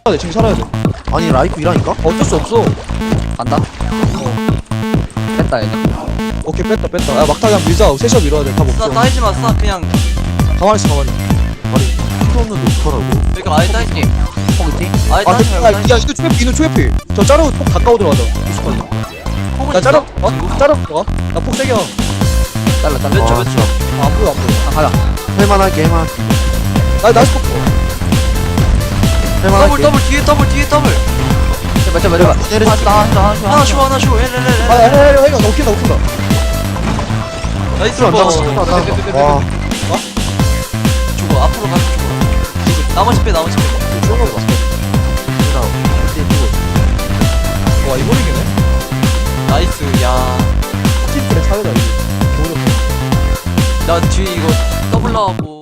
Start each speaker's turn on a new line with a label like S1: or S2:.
S1: 돼, 지금 살아야 돼.
S2: 아니 라이프 이라니까?
S1: 어쩔 수 없어.
S3: 간다. 뺐다 얘네.
S1: 오케이, 뺐다. 야, 막타 그냥 밀자. 셋이서 밀어야 돼. 답
S4: 싸
S1: 없어.
S4: 따이지 마. 싸 그냥.
S1: 가만히 있어, 가만히.
S2: 필요 없는데 어떡하라고.
S4: 그러니까 아예 따이지.
S3: 포기팅.
S4: 아예
S1: 아,
S4: 따이지
S1: 야,
S4: 말고.
S1: 야, 이거 초회피. 저 자르고 폭 가까워 들어가자. 익숙하게. 야, 자르, 자르 들어가. 나 폭 세게 와.
S3: 잘라.
S4: 몇 초, 몇 초.
S1: 안 보여, 안 보여.
S3: 가자.
S2: 할만할게 할만.
S1: 나이스 폭.
S4: 더블 더블 뒤에 더블.
S3: 제발.
S4: 하나 쉬어 하나 쉬어.
S1: 아,
S4: 헬렐렐.
S1: 야, 이거 웃긴다.
S4: 나이스
S2: 안
S4: 버.
S2: 잡았어. 와.
S4: 죽어 앞으로 가서 죽어. 나머지 빼.
S1: 와, 이거 이기네.
S4: 나이스. 야.
S1: 팀플의 차이다, 이거.
S4: 나 뒤에 이거 더블 나가고.